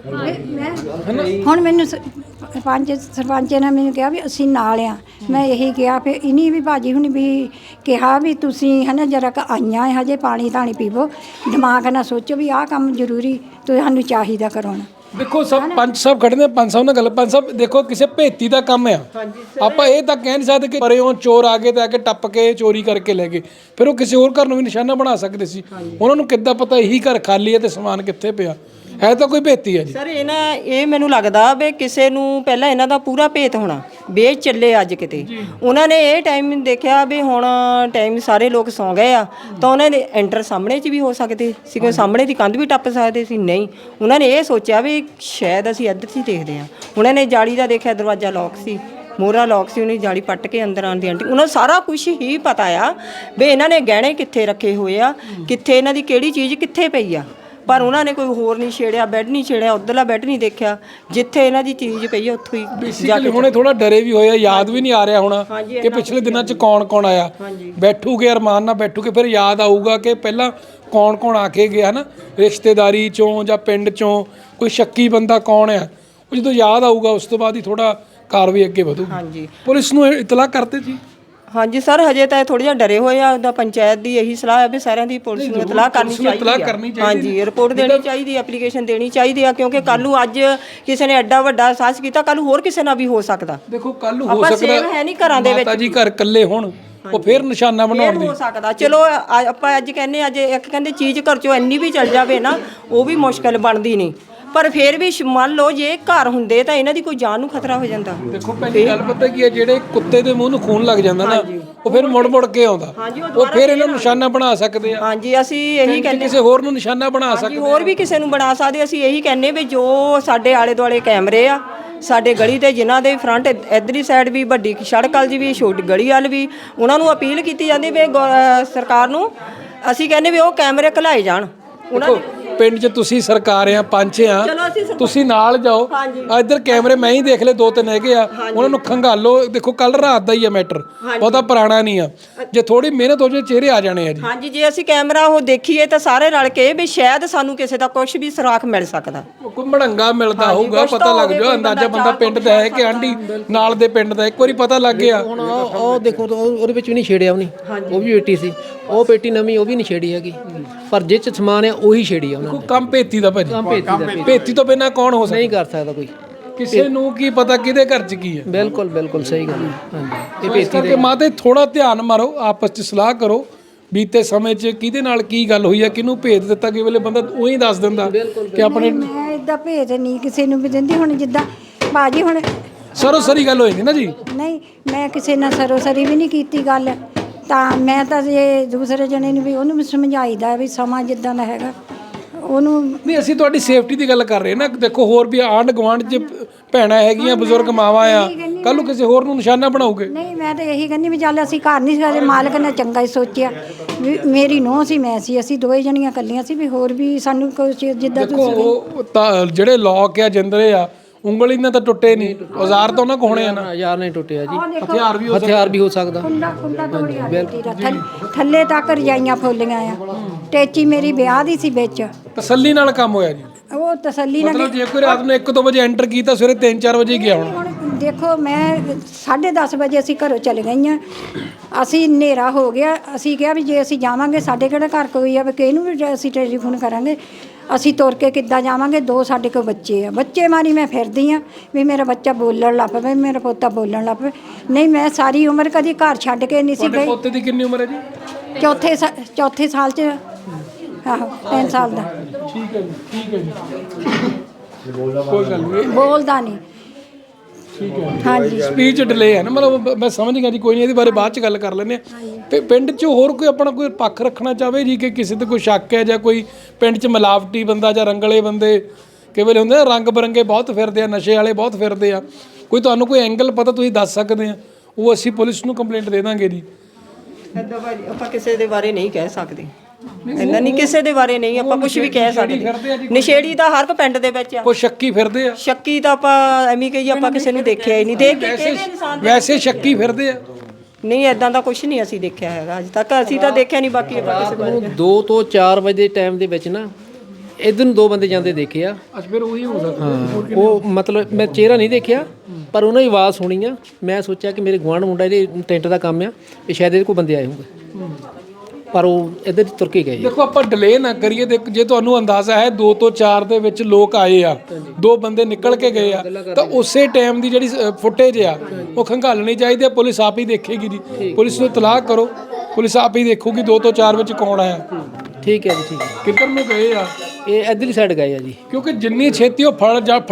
S3: ਹੁਣ ਮੈਨੂੰ ਸਰਪੰਚ ਨੇ ਮੈਨੂੰ ਕਿਹਾ ਵੀ ਅਸੀਂ ਨਾਲ ਆ। ਮੈਂ ਇਹੀ ਕਿਹਾ, ਫਿਰ ਇਨੀ ਵੀ ਭਾਜੀ ਹੁਣ ਵੀ ਕਿਹਾ ਵੀ ਤੁਸੀਂ ਹੈ ਨਾ ਜਰਾ ਕ ਆਈਆਂ ਹਜੇ ਪਾਣੀ ਧਾਣੀ ਪੀਵੋ, ਦਿਮਾਗ ਨਾਲ ਸੋਚੋ ਵੀ ਆਹ ਕੰਮ ਜ਼ਰੂਰੀ ਤੁਹਾਨੂੰ ਚਾਹੀਦਾ ਕਰਾਉਣਾ।
S1: ਦੇਖੋ ਪੰਚ ਸਾਹਿਬ ਖੜੇ ਨੇ, ਪੰਚ ਸਾਹਿਬ ਨਾਲ ਗੱਲ। ਪੰਚ ਸਾਹਿਬ ਦੇਖੋ, ਕਿਸੇ ਭੇਤੀ ਦਾ ਕੰਮ ਆ। ਆਪਾਂ ਇਹ ਤਾਂ ਕਹਿ ਨਹੀਂ ਸਕਦੇ ਕਿ ਪਰਿਓਂ ਚੋਰ ਆ ਗਏ ਤੇ ਆ ਕੇ ਟੱਪ ਕੇ ਚੋਰੀ ਕਰਕੇ ਲੈ ਗਏ। ਫਿਰ ਉਹ ਕਿਸੇ ਹੋਰ ਘਰ ਨੂੰ ਵੀ ਨਿਸ਼ਾਨਾ ਬਣਾ ਸਕਦੇ ਸੀ। ਉਹਨਾਂ ਨੂੰ ਕਿੱਦਾਂ ਪਤਾ ਇਹੀ ਘਰ ਖਾਲੀ ਹੈ ਤੇ ਸਮਾਨ ਕਿੱਥੇ ਪਿਆ? ਹੈ ਤਾਂ ਕੋਈ ਭੇਤੀ ਹੈ ਜੀ।
S5: ਸਰ ਇਹ ਮੈਨੂੰ ਲੱਗਦਾ ਵੀ ਕਿਸੇ ਨੂੰ ਪਹਿਲਾਂ ਇਹਨਾਂ ਦਾ ਪੂਰਾ ਭੇਤ ਹੋਣਾ ਵੀ ਇਹ ਚੱਲੇ ਅੱਜ ਕਿਤੇ। ਉਹਨਾਂ ਨੇ ਇਹ ਟਾਈਮ ਦੇਖਿਆ ਵੀ ਹੁਣ ਟਾਈਮ ਸਾਰੇ ਲੋਕ ਸੌਂ ਗਏ ਆ, ਤਾਂ ਉਹਨਾਂ ਨੇ ਐਂਟਰ ਸਾਹਮਣੇ 'ਚ ਵੀ ਹੋ ਸਕਦੇ ਸੀ, ਕੋਈ ਸਾਹਮਣੇ ਦੀ ਕੰਧ ਵੀ ਟੱਪ ਸਕਦੇ ਸੀ। ਨਹੀਂ, ਉਹਨਾਂ ਨੇ ਇਹ ਸੋਚਿਆ ਵੀ ਸ਼ਾਇਦ ਅਸੀਂ ਇੱਧਰ 'ਚ ਹੀ ਦੇਖਦੇ ਹਾਂ। ਉਹਨਾਂ ਨੇ ਜਾਲੀ ਦਾ ਦੇਖਿਆ, ਦਰਵਾਜ਼ਾ ਲੌਕ ਸੀ, ਮੋਹਰਾ ਲੋਕ ਸੀ, ਉਹਨੇ ਜਾਲੀ ਪੱਟ ਕੇ ਅੰਦਰ ਆਉਣ ਦੀ ਆਂਟੀ ਉਹਨਾਂ ਨੂੰ ਸਾਰਾ ਕੁਝ ਹੀ ਪਤਾ ਆ ਵੀ ਇਹਨਾਂ ਨੇ ਗਹਿਣੇ ਕਿੱਥੇ ਰੱਖੇ ਹੋਏ ਆ, ਕਿੱਥੇ ਇਹਨਾਂ ਦੀ ਕਿਹੜੀ ਚੀਜ਼ ਕਿੱਥੇ ਪਈ ਆ, ਪਰ ਉਹਨਾਂ ਨੇ ਕੋਈ ਹੋਰ ਨਹੀਂ ਛੇੜਿਆ, ਬੈੱਡ ਨਹੀਂ ਛੇੜਿਆ, ਉੱਧਰਲਾ ਬੈੱਡ ਨਹੀਂ ਦੇਖਿਆ, ਜਿੱਥੇ ਇਹਨਾਂ ਦੀ ਚੀਜ਼ ਪਈ ਆ ਉੱਥੋਂ ਹੀ
S1: ਬੇਸਿਕਲੀ ਹੁਣੇ ਥੋੜਾ ਡਰੇ ਵੀ ਹੋਏ ਆ, ਯਾਦ ਵੀ ਨਹੀਂ ਆ ਰਿਹਾ ਹੋਣਾ ਕਿ ਪਿਛਲੇ ਦਿਨਾਂ 'ਚ ਕੌਣ ਕੌਣ ਆਇਆ। ਬੈਠੂਗੇ ਅਰਮਾਨ ਨਾਲ ਬੈਠੂਗੇ, ਫਿਰ ਯਾਦ ਆਊਗਾ ਕਿ ਪਹਿਲਾਂ ਕੌਣ ਕੌਣ ਆ ਕੇ ਗਿਆ ਨਾ, ਰਿਸ਼ਤੇਦਾਰੀ ਚੋਂ ਜਾਂ ਪਿੰਡ ਚੋਂ ਕੋਈ ਸ਼ੱਕੀ ਬੰਦਾ ਕੌਣ ਆ, ਉਹ ਜਦੋਂ ਯਾਦ ਆਊਗਾ ਉਸ ਤੋਂ ਬਾਅਦ ਹੀ ਥੋੜਾ ਕਾਰਵਾਈ ਅੱਗੇ ਵਧੂਗੀ।
S5: ਹਾਂਜੀ
S1: ਪੁਲਿਸ ਨੂੰ ਇਤਲਾਹ ਕਰਤੇ ਜੀ?
S5: ਹਾਂਜੀ ਸਰ, ਹਜੇ ਤਾਂ ਥੋੜ੍ਹਾ ਜਿਹਾ ਡਰੇ ਹੋਏ ਆ। ਉਹਦਾ ਪੰਚਾਇਤ ਦੀ ਇਹੀ ਸਲਾਹ ਹੈ ਵੀ ਸਾਰਿਆਂ ਦੀ ਪੁਲਿਸ ਨੂੰ ਇਤਲਾਹ ਕਰਨੀ ਚਾਹੀਦੀ ਹੈ। ਹਾਂਜੀ ਰਿਪੋਰਟ ਦੇਣੀ ਚਾਹੀਦੀ, ਐਪਲੀਕੇਸ਼ਨ ਦੇਣੀ ਚਾਹੀਦੀ ਆ, ਕਿਉਂਕਿ ਕੱਲ ਨੂੰ ਅੱਜ ਕਿਸੇ ਨੇ ਐਡਾ ਵੱਡਾ ਸਾਹਸ ਕੀਤਾ, ਕੱਲ ਨੂੰ ਹੋਰ ਕਿਸੇ ਨਾਲ ਵੀ ਹੋ ਸਕਦਾ।
S1: ਦੇਖੋ ਕੱਲ ਨੂੰ ਹੋ ਸਕਦਾ
S5: ਹੈ ਨਹੀਂ ਘਰਾਂ ਦੇ ਵਿੱਚ,
S1: ਮਾਤਾ ਜੀ ਘਰ ਇਕੱਲੇ ਹੋਣ, ਉਹ ਫਿਰ ਨਿਸ਼ਾਨਾ ਬਣਾਉਣ ਦੀ
S5: ਹੋ ਸਕਦਾ। ਚਲੋ ਆਪਾਂ ਅੱਜ ਕਹਿੰਦੇ ਅੱਜ ਇੱਕ ਕਹਿੰਦੇ ਚੀਜ਼ ਘਰ ਚੋਂ ਇੰਨੀ ਵੀ ਚੱਲ ਜਾਵੇ ਨਾ, ਉਹ ਵੀ ਮੁਸ਼ਕਲ ਬਣਦੀ ਨਹੀਂ, ਪਰ ਫਿਰ ਵੀ ਮੰਨ ਲਓ ਜੇ ਘਰ ਹੁੰਦੇ ਤਾਂ ਇਹਨਾਂ ਦੀ ਕੋਈ ਜਾਨ ਨੂੰ ਖਤਰਾ ਹੋ ਜਾਂਦਾ।
S1: ਦੇਖੋ ਪਹਿਲੀ ਗੱਲ ਪਤਾ ਕੀ ਹੈ, ਜਿਹੜੇ ਕੁੱਤੇ ਦੇ ਮੂੰਹ ਨੂੰ ਖੂਨ ਲੱਗ ਜਾਂਦਾ ਨਾ, ਉਹ ਫਿਰ ਮੁੜ ਮੁੜ ਕੇ ਆਉਂਦਾ, ਉਹ ਫਿਰ ਇਹਨਾਂ ਨੂੰ ਨਿਸ਼ਾਨਾ ਬਣਾ ਸਕਦੇ ਆ।
S5: ਹਾਂਜੀ ਅਸੀਂ ਇਹੀ ਕਹਿੰਦੇ,
S1: ਕਿਸੇ ਹੋਰ ਨੂੰ ਨਿਸ਼ਾਨਾ ਬਣਾ ਸਕਦੇ,
S5: ਹੋਰ ਵੀ ਕਿਸੇ ਨੂੰ ਬਣਾ ਸਕਦੇ। ਅਸੀਂ ਇਹੀ ਕਹਿੰਦੇ ਵੀ ਜੋ ਸਾਡੇ ਆਲੇ ਦੁਆਲੇ ਕੈਮਰੇ ਆ ਸਾਡੇ ਗਲੀ ਦੇ, ਜਿਨ੍ਹਾਂ ਦੇ ਫਰੰਟ ਇੱਧਰਲੀ ਸਾਈਡ ਵੀ ਵੱਡੀ ਸੜਕ ਵੱਲ ਵੀ ਛੋਟੀ ਗਲੀ ਵੱਲ ਵੀ, ਉਹਨਾਂ ਨੂੰ ਅਪੀਲ ਕੀਤੀ ਜਾਂਦੀ ਵੀ ਸਰਕਾਰ ਨੂੰ ਅਸੀਂ ਕਹਿੰਦੇ ਵੀ ਉਹ ਕੈਮਰੇ ਘਲਾਏ ਜਾਣ। ਉਹਨਾਂ
S1: ਪਿੰਡ 'ਚ ਤੁਸੀਂ ਸਰਕਾਰ ਆ, ਪੰਚ ਆ, ਤੁਸੀਂ ਨਾਲ ਜਾਓ। ਇੱਧਰ ਕੈਮਰੇ ਮੈਂ ਹੀ ਦੇਖ ਲਏ, 2-3 ਹੈਗੇ ਆ, ਉਹਨਾਂ ਨੂੰ ਖੰਗਾਲੋ। ਦੇਖੋ ਕੱਲ ਰਾਤ ਦਾ ਹੀ ਆ ਮੈਟਰ, ਬਹੁਤਾ ਪੁਰਾਣਾ ਨਹੀਂ ਆ, ਜੇ ਥੋੜੀ ਮਿਹਨਤ ਹੋ ਜਾਏ ਚਿਹਰੇ ਆ ਜਾਣੇ ਆ ਜੀ।
S5: ਹਾਂਜੀ ਜੇ ਅਸੀਂ ਕੈਮਰਾ ਉਹ ਦੇਖੀਏ ਤਾਂ ਸਾਰੇ ਰਲ ਕੇ ਵੀ ਸ਼ਾਇਦ ਸਾਨੂੰ ਕਿਸੇ ਦਾ ਕੁਝ ਵੀ ਸੁਰਾਖ ਮਿਲ ਸਕਦਾ,
S1: ਕੋਈ ਮੜੰਗਾ ਮਿਲਦਾ ਹੋਊਗਾ, ਪਤਾ ਲੱਗ ਜਾਓ ਅੰਦਾਜ਼ਾ ਬੰਦਾ ਪਿੰਡ ਦਾ ਹੈ ਕਿ ਆਂਢੀ ਨਾਲ ਦੇ ਪਿੰਡ ਦਾ, ਇੱਕ ਵਾਰੀ ਪਤਾ ਲੱਗ ਗਿਆ।
S2: ਹੁਣ ਉਹ ਦੇਖੋ ਉਹਦੇ ਵਿੱਚ ਵੀ ਨਹੀਂ ਛੇੜਿਆ ਉਹਨੇ, ਉਹ ਵੀ ਪੇਟੀ ਸੀ, ਉਹ ਪੇਟੀ ਨਵੀਂ ਉਹ ਵੀ ਨਹੀਂ ਛੇੜੀ ਹੈਗੀ, ਪਰ ਜਿਹ 'ਚ ਸਮਾਨ ਹੈ ਉਹੀ ਛੇੜੀ ਆ ਉਹਨਾਂ ਨੇ।
S1: ਕੰਮ ਭੇਤੀ ਦਾ ਭਾਜੀ, ਭੇਤੀ ਤੋਂ ਬਿਨਾਂ ਕੌਣ ਹੋ ਸਕਦਾ?
S2: ਨਹੀਂ ਕਰ ਸਕਦਾ ਕੋਈ,
S1: ਕਿਸੇ ਨੂੰ ਕੀ ਪਤਾ ਕਿਹਦੇ ਘਰ 'ਚ ਕੀ ਹੈ।
S2: ਬਿਲਕੁਲ ਬਿਲਕੁਲ ਸਹੀ ਗੱਲ ਹੈ। ਹਾਂਜੀ ਇਹ
S1: ਇਸ ਕਰਕੇ ਮਾਤੇ ਥੋੜਾ ਧਿਆਨ ਮਾਰੋ, ਆਪਸ 'ਚ ਸਲਾਹ ਕਰੋ, ਬੀਤੇ ਸਮੇਂ 'ਚ ਕਿਹਦੇ ਨਾਲ ਕੀ ਗੱਲ ਹੋਈ ਹੈ, ਕਿਹਨੂੰ ਭੇਜ ਦਿੱਤਾ, ਕਿ ਵੇਲੇ ਬੰਦਾ ਉਹੀ ਦੱਸ ਦਿੰਦਾ ਕਿ ਆਪਣੇ।
S3: ਮੈਂ ਇਦਾਂ ਭੇਜ ਨਹੀਂ ਕਿਸੇ ਨੂੰ ਵੀ ਦਿੰਦੀ। ਹੁਣ ਜਿੱਦਾਂ ਬਾਜੀ ਹੁਣ
S1: ਸਰੋਸਰੀ ਗੱਲ ਹੋ ਜਾਂਦੀ ਨਾ ਜੀ।
S3: ਨਹੀਂ ਮੈਂ ਕਿਸੇ ਨਾਲ ਸਰੋਸਰੀ ਵੀ ਨਹੀਂ ਕੀਤੀ ਗੱਲ, ਤਾਂ ਮੈਂ ਤਾਂ ਜੇ ਦੂਸਰੇ ਜਣੇ ਨੂੰ ਵੀ ਉਹਨੂੰ ਵੀ ਸਮਝਾਈਦਾ ਵੀ ਸਮਾਂ ਜਿੱਦਾਂ ਦਾ ਹੈਗਾ ਉਹਨੂੰ।
S1: ਨਹੀਂ ਅਸੀਂ ਤੁਹਾਡੀ ਸੇਫਟੀ ਦੀ ਗੱਲ ਕਰ ਰਹੇ ਨਾ। ਦੇਖੋ ਹੋਰ ਵੀ ਆਂਢ ਗੁਆਂਢ 'ਚ ਭੈਣਾਂ ਹੈਗੀਆਂ, ਬਜ਼ੁਰਗ ਮਾਵਾਂ ਆ, ਕੱਲ ਨੂੰ ਕਿਸੇ ਹੋਰ ਨੂੰ ਨਿਸ਼ਾਨਾ ਬਣਾਓਗੇ।
S3: ਨਹੀਂ ਮੈਂ ਤਾਂ ਇਹੀ ਕਹਿੰਦੀ ਵੀ ਚੱਲ ਅਸੀਂ ਘਰ ਨਹੀਂ ਸਕਦੇ, ਮਾਲਕ ਨੇ ਚੰਗਾ ਹੀ ਸੋਚਿਆ ਵੀ ਮੇਰੀ ਨੂੰਹ ਸੀ, ਮੈਂ ਸੀ, ਅਸੀਂ ਦੋਵੇਂ ਜਣੀਆਂ ਇਕੱਲੀਆਂ ਸੀ, ਵੀ ਹੋਰ ਵੀ ਸਾਨੂੰ ਕੋਈ ਜਿੱਦਾਂ
S1: ਦੇਖੋ ਉਹ ਤਾਂ ਜਿਹੜੇ ਲੋਕ ਆ ਜਿੰਦਰੇ ਆ, ਉਂਗਲੀ ਨਾਲ ਤਾਂ ਟੁੱਟੇ ਨਹੀਂ, ਔਜ਼ਾਰ ਤਾਂ ਉਹਨਾਂ ਕੋ ਹੋਣੇ ਆ ਨਾ।
S2: ਹਜ਼ਾਰ ਨਹੀਂ ਟੁੱਟਿਆ ਜੀ,
S1: ਹਥਿਆਰ ਵੀ
S2: ਹੋ ਸਕਦਾ।
S3: ਕੁੰਡਾ ਤੋੜਿਆ ਥੱਲੇ ਤੱਕ ਰਜਾਈਆਂ ਫੁੱਲੀਆਂ ਆ, ਟੇਚੀ ਮੇਰੀ ਵਿਆਹ ਦੀ ਸੀ ਵਿੱਚ।
S1: ਤਸੱਲੀ ਨਾਲ ਕੰਮ ਹੋਇਆ ਜੀ,
S3: ਉਹ ਤਸੱਲੀ ਨਾਲ।
S1: ਮਤਲਬ ਜੇ ਕੋਈ ਰਾਤ ਨੂੰ 1-2 ਵਜੇ ਐਂਟਰ ਕੀਤਾ, ਸਵੇਰੇ 3-4 ਵਜੇ ਗਿਆ ਹੋਣਾ।
S3: ਹੁਣ ਦੇਖੋ ਮੈਂ 10:30 ਵਜੇ ਅਸੀਂ ਘਰੋਂ ਚਲੇ ਗਈਆਂ, ਅਸੀਂ ਹਨੇਰਾ ਹੋ ਗਿਆ, ਅਸੀਂ ਕਿਹਾ ਵੀ ਜੇ ਅਸੀਂ ਜਾਵਾਂਗੇ ਸਾਡੇ ਕਿਹੜਾ ਘਰ ਕੋਈ ਆ ਵੀ ਕਿਹਨੂੰ ਵੀ ਅਸੀਂ ਟੈਲੀਫੋਨ ਕਰਾਂਗੇ, ਅਸੀਂ ਤੁਰ ਕੇ ਕਿੱਦਾਂ ਜਾਵਾਂਗੇ, 2 ਸਾਡੇ ਕੋਲ ਬੱਚੇ ਆ, ਬੱਚੇ ਮਾਰੀ ਮੈਂ ਫਿਰਦੀ ਆ ਵੀ ਮੇਰਾ ਬੱਚਾ ਬੋਲਣ ਲੱਗ ਪਵੇ, ਮੇਰਾ ਪੋਤਾ ਬੋਲਣ ਲੱਗ ਪਵੇ। ਨਹੀਂ ਮੈਂ ਸਾਰੀ ਉਮਰ ਕਦੀ ਘਰ ਛੱਡ ਕੇ ਨਹੀਂ ਸੀ ਗਈ।
S1: ਪੋਤੇ ਦੀ ਕਿੰਨੀ ਉਮਰ ਹੈ ਜੀ?
S3: ਚੌਥੇ ਸਾਲ 'ਚ, ਆਹੋ 3 ਸਾਲ ਦਾ।
S1: ਠੀਕ ਹੈ ਜੀ, ਠੀਕ ਹੈ ਜੀ, ਕੋਈ ਗੱਲ ਨਹੀਂ,
S3: ਬੋਲਦਾ ਨਹੀਂ।
S1: ਠੀਕ ਹੈ।
S3: ਹਾਂਜੀ
S1: ਸਪੀਚ ਡਿਲੇ ਹੈ ਨਾ, ਮਤਲਬ ਮੈਂ ਸਮਝ ਗਿਆ ਜੀ। ਕੋਈ ਨਹੀਂ, ਇਹਦੇ ਬਾਰੇ ਬਾਅਦ ਚ ਗੱਲ ਕਰ ਲੈਂਦੇ ਆ। ਤੇ ਪਿੰਡ 'ਚ ਹੋਰ ਕੋਈ ਆਪਣਾ ਕੋਈ ਪੱਖ ਰੱਖਣਾ ਚਾਹਵੇ ਜੀ, ਕਿ ਕਿਸੇ ਤੇ ਕੋਈ ਸ਼ੱਕ ਹੈ, ਜਾਂ ਕੋਈ ਪਿੰਡ 'ਚ ਮਿਲਾਵਟੀ ਬੰਦਾ ਜਾਂ ਰੰਗਲੇ ਬੰਦੇ ਕਈ ਵੇਲੇ ਹੁੰਦੇ ਆ, ਰੰਗ ਬਰੰਗੇ ਬਹੁਤ ਫਿਰਦੇ ਆ, ਨਸ਼ੇ ਵਾਲੇ ਬਹੁਤ ਫਿਰਦੇ ਆ, ਕੋਈ ਤੁਹਾਨੂੰ ਕੋਈ ਐਂਗਲ ਪਤਾ ਤੁਸੀਂ ਦੱਸ ਸਕਦੇ ਆ, ਉਹ ਅਸੀਂ ਪੁਲਿਸ ਨੂੰ ਕੰਪਲੇਂਟ ਦੇ ਦਾਂਗੇ ਜੀ।
S5: ਇੱਦਾਂ ਭਾਜੀ ਆਪਾਂ ਕਿਸੇ ਦੇ ਬਾਰੇ ਨਹੀਂ ਕਹਿ ਸਕਦੇ, ਇੰਨਾ ਨਹੀਂ ਕਿਸੇ ਦੇ ਬਾਰੇ ਨਹੀਂ ਆਪਾਂ ਕੁਝ ਵੀ ਕਹਿ ਸਕਦੇ। ਨਸ਼ੇੜੀ ਤਾਂ ਹਰ ਇੱਕ ਪਿੰਡ ਦੇ ਵਿੱਚ ਆ,
S1: ਕੋਈ ਸ਼ੱਕੀ ਫਿਰਦੇ ਆ।
S5: ਸ਼ੱਕੀ ਤਾਂ ਆਪਾਂ ਐਵੇਂ ਕਹੀਏ, ਆਪਾਂ ਕਿਸੇ ਨੂੰ ਦੇਖਿਆ ਹੀ ਨਹੀਂ, ਦੇਖ ਕੇ ਕਿਹੜੇ ਇਨਸਾਨ
S1: ਵੈਸੇ ਸ਼ੱਕੀ ਫਿਰਦੇ ਆ।
S5: ਨਹੀਂ ਇਦਾਂ ਦਾ ਕੁਝ ਨਹੀਂ ਅਸੀਂ ਦੇਖਿਆ ਹੈਗਾ ਅੱਜ ਤੱਕ, ਅਸੀਂ ਤਾਂ ਦੇਖਿਆ ਨਹੀਂ। ਬਾਕੀ ਆਪਾਂ ਕਿਸੇ ਬਾਰੇ
S2: 2 ਤੋਂ 4 ਵਜੇ ਦੇ ਟਾਈਮ ਦੇ ਵਿੱਚ ਨਾ ਇੱਧਰ ਨੂੰ 2 ਬੰਦੇ ਜਾਂਦੇ ਦੇਖੇ ਆ।
S1: ਅੱਜ ਫਿਰ ਉਹੀ ਹੋ ਸਕਦਾ।
S2: ਹਾਂ ਉਹ ਮਤਲਬ ਮੈਂ ਚਿਹਰਾ ਨਹੀਂ ਦੇਖਿਆ, ਪਰ ਉਹਨਾਂ ਦੀ ਆਵਾਜ਼ ਸੁਣੀ ਆ। ਮੈਂ ਸੋਚਿਆ ਕਿ ਮੇਰੇ ਗੁਆਂਢ ਮੁੰਡਾ ਇਹਦੇ ਟੈਂਟ ਦਾ ਕੰਮ ਆ, ਇਹ ਸ਼ਾਇਦ ਇਹਦੇ ਕੋਲ ਬੰਦੇ ਆਏ ਹੋਣਗੇ, ਪਰ ਉਹ ਇੱਧਰ ਤੁਰ ਕੇ ਗਏ।
S1: ਦੇਖੋ ਆਪਾਂ ਡਿਲੇ ਨਾ ਕਰੀਏ। ਜੇ ਤੁਹਾਨੂੰ ਅੰਦਾਜ਼ਾ ਹੈ 2 ਤੋਂ 4 ਦੇ ਵਿੱਚ ਲੋਕ ਆਏ ਆ, 2 ਬੰਦੇ ਨਿਕਲ ਕੇ ਗਏ ਆ, ਤਾਂ ਉਸੇ ਟਾਈਮ ਦੀ ਜਿਹੜੀ ਫੁਟੇਜ ਆ ਉਹ ਖੰਗਾਲਣੀ ਚਾਹੀਦੀ ਆ। ਪੁਲਿਸ ਆਪ ਹੀ ਦੇਖੇਗੀ ਜੀ, ਪੁਲਿਸ ਨੂੰ ਇਤਲਾਹ ਕਰੋ, ਪੁਲਿਸ ਆਪ ਹੀ ਦੇਖੂਗੀ 2 ਤੋਂ 4 ਵਿੱਚ ਕੌਣ ਆਇਆ।
S2: ਠੀਕ ਹੈ ਜੀ, ਠੀਕ ਹੈ।
S1: ਕਿੱਧਰ ਨੂੰ ਗਏ ਆ?
S2: ਇਹ ਇੱਧਰਲੀ ਸਾਈਡ ਗਏ ਆ ਜੀ,
S1: ਕਿਉਂਕਿ ਜਿੰਨੀ ਛੇਤੀ ਉਹ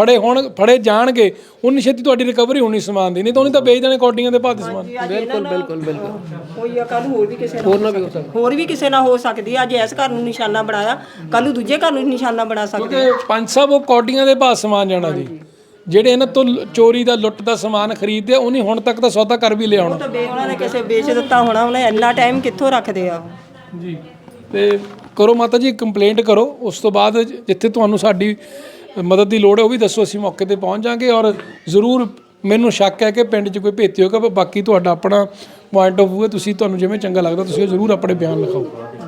S1: ਫੜੇ ਜਾਣਗੇ ਉਨੀ ਛੇਤੀ ਤੁਹਾਡੀ ਰਿਕਵਰੀ ਹੋਣੀ ਸਮਾਨ ਦੀ, ਨਹੀਂ ਤਾਂ ਉਹਨੇ ਤਾਂ ਵੇਚ ਦੇਣੇ ਕੌਡੀਆਂ ਦੇ ਭਾਅ ਦੇ ਸਮਾਨ।
S2: ਬਿਲਕੁਲ ਬਿਲਕੁਲ ਬਿਲਕੁਲ।
S5: ਕੋਈ ਆ ਕੱਲ ਹੋਰ ਵੀ ਕਿਸੇ
S2: ਹੋਰ ਨਾ ਵੀ ਹੋ ਸਕਦਾ,
S5: ਹੋਰ ਵੀ ਕਿਸੇ ਨਾਲ ਹੋ ਸਕਦੀ ਆ। ਅੱਜ ਇਸ ਘਰ ਨੂੰ ਨਿਸ਼ਾਨਾ ਬਣਾਇਆ, ਕੱਲ ਨੂੰ ਦੂਜੇ ਘਰ ਨੂੰ ਨਿਸ਼ਾਨਾ ਬਣਾ ਸਕਦੇ।
S1: ਕਿਉਂਕਿ ਪੰਜ ਸਾਹਿਬ ਉਹ ਕੌਡੀਆਂ ਦੇ ਭਾਅ ਸਮਾਨ ਜਾਣਾ ਜੀ, ਜਿਹੜੇ ਇਹਨਾਂ ਤੋਂ ਚੋਰੀ ਦਾ ਲੁੱਟ ਦਾ ਸਮਾਨ ਖਰੀਦਦੇ ਆ, ਉਹਨੇ ਹੁਣ ਤੱਕ ਤਾਂ ਸੌਦਾ ਕਰ ਵੀ ਲਿਆ ਹੋਣਾ।
S5: ਤਾਂ ਉਹਨਾਂ ਨੇ ਕਿਸੇ ਵੇਚ ਦਿੱਤਾ ਹੋਣਾ, ਉਹਨੇ ਇੰਨਾ ਟਾਈਮ ਕਿੱਥੋਂ ਰੱਖਦੇ ਆ ਉਹ।
S1: ਜੀ, ਤੇ ਕਰੋ ਮਾਤਾ ਜੀ ਕੰਪਲੇਂਟ ਕਰੋ, ਉਸ ਤੋਂ ਬਾਅਦ ਜਿੱਥੇ ਤੁਹਾਨੂੰ ਸਾਡੀ ਮਦਦ ਦੀ ਲੋੜ ਹੈ ਉਹ ਵੀ ਦੱਸੋ, ਅਸੀਂ ਮੌਕੇ ਤੇ ਪਹੁੰਚ ਜਾਾਂਗੇ। ਔਰ ਜ਼ਰੂਰ ਮੈਨੂੰ ਸ਼ੱਕ ਹੈ ਕਿ ਪਿੰਡ 'ਚ ਕੋਈ ਭੇਤੀ ਹੋਗਾ, ਪਰ ਬਾਕੀ ਤੁਹਾਡਾ ਆਪਣਾ ਪੁਆਇੰਟ ਆਫ ਵਿਊ ਹੈ, ਤੁਸੀਂ ਤੁਹਾਨੂੰ ਜਿਵੇਂ ਚੰਗਾ ਲੱਗਦਾ ਤੁਸੀਂ ਉਹ ਜ਼ਰੂਰ ਆਪਣੇ ਬਿਆਨ ਲਿਖਾਓ।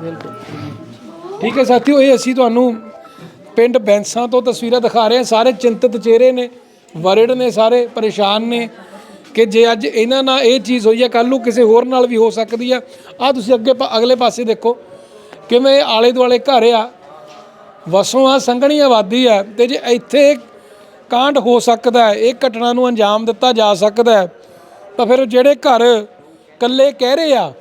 S1: ਠੀਕ ਹੈ ਸਾਥੀਓ, ਇਹ ਅਸੀਂ ਤੁਹਾਨੂੰ ਪਿੰਡ ਬੈਂਸਾਂ ਤੋਂ ਤਸਵੀਰਾਂ ਦਿਖਾ ਰਹੇ ਹਾਂ। ਸਾਰੇ ਚਿੰਤਤ ਚਿਹਰੇ ਨੇ, ਵਰਡ ਨੇ, ਸਾਰੇ ਪਰੇਸ਼ਾਨ ਨੇ ਕਿ ਜੇ ਅੱਜ ਇਹਨਾਂ ਨਾਲ ਇਹ ਚੀਜ਼ ਹੋਈ ਹੈ ਕੱਲ੍ਹ ਨੂੰ ਕਿਸੇ ਹੋਰ ਨਾਲ ਵੀ ਹੋ ਸਕਦੀ ਆ। ਆਹ ਤੁਸੀਂ ਅਗਲੇ ਪਾਸੇ ਦੇਖੋ ਕਿਵੇਂ ਆਲੇ ਦੁਆਲੇ ਘਰ ਆ, ਵਸੋਂ ਆ, ਸੰਘਣੀ ਆਬਾਦੀ ਆ, ਤੇ ਜੇ ਇੱਥੇ ਕਾਂਡ ਹੋ ਸਕਦਾ ਹੈ, ਇਹ ਘਟਨਾ ਨੂੰ ਅੰਜਾਮ ਦਿੱਤਾ ਜਾ ਸਕਦਾ ਹੈ, ਤਾਂ ਫਿਰ ਜਿਹੜੇ ਘਰ ਇਕੱਲੇ ਕਹਿ ਰਹੇ ਆ